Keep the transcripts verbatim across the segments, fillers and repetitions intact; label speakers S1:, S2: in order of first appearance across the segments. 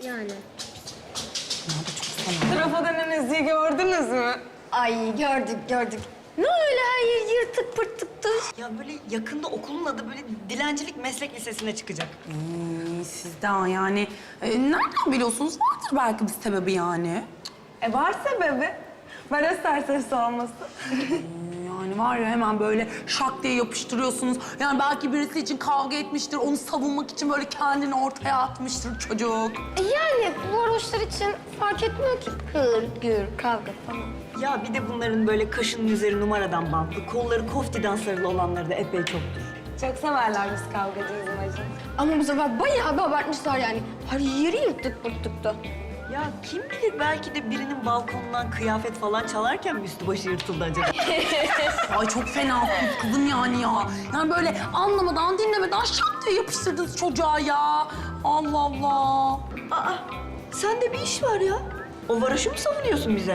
S1: Yani.
S2: Trafo denen Ezgi'yi gördünüz mü?
S1: Ay gördük gördük. Ne öyle her yer yırtık pırtıktı.
S3: Ya böyle yakında okulun adı böyle dilencilik meslek lisesine çıkacak.
S4: Hmm, sizden yani e, nereden biliyorsunuz? Vardır belki bir sebebi yani.
S2: E var sebebi. Ben isterseniz olmasın.
S4: Yani var ya hemen böyle şak diye yapıştırıyorsunuz. Yani belki birisi için kavga etmiştir, onu savunmak için böyle kendini ortaya atmıştır çocuk.
S1: E yani varoşlar için fark etmiyor ki. Hır, gür, kavga falan.
S3: Ya bir de bunların böyle kaşının üzeri numaradan bantlı, kolları koftiden sarılı olanları da epey çoktur.
S2: Çok severler biz kavgacıyız imajı.
S1: Ama bu sefer bayağı bir abartmışlar yani. Her yeri yırtık pırtıktı.
S3: Ya kim bilir belki de birinin balkonundan kıyafet falan çalarken mi üstü başı yırtıldı acaba?
S4: Ay çok fena kızım yani ya. Yani böyle anlamadan, dinlemeden şak diye yapıştırdınız çocuğa ya. Allah Allah.
S3: Aa, sende bir iş var ya. O varoşu mu savunuyorsun bize?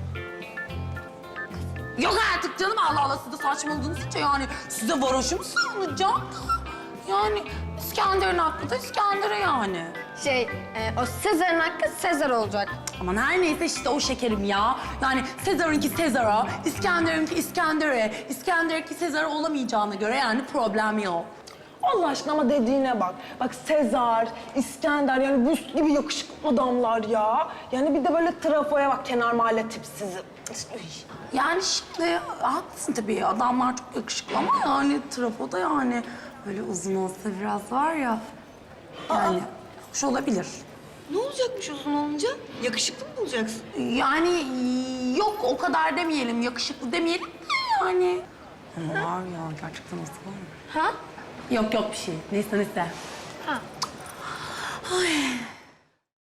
S4: Yok artık canım, Allah Allah, siz de saçmaladınız hiç yani. Size varoşu mu savunacağım da? Yani İskender'in hakkı da İskender'e yani.
S1: Şey, e, o Sezar'ın hakkı Sezar olacak.
S4: Aman her neyse işte o şekerim ya. Yani Sezar'ınki Sezar'a, İskender'inki İskender'e, İskender'inki Sezar'a olamayacağına göre yani problem yok.
S2: Allah aşkına ama dediğine bak. Bak Sezar, İskender yani buz gibi yakışıklı adamlar ya. Yani bir de böyle trafoya bak, kenar mahalle tipsizi. Üy.
S4: Yani şimdi haklısın tabii, adamlar çok yakışıklı ama yani trafoda yani böyle uzun olsa biraz var ya. Yani hoş olabilir.
S3: Ne olacakmış uzun olunca? Yakışıklı mı bulacaksın?
S4: Yani yok o kadar demeyelim, yakışıklı demeyelim de yani. Ama var ya gerçekten olsa var mı?
S1: Ha?
S4: Yok yok bir şey. Neyse neyse.
S1: Ha.
S4: Ay.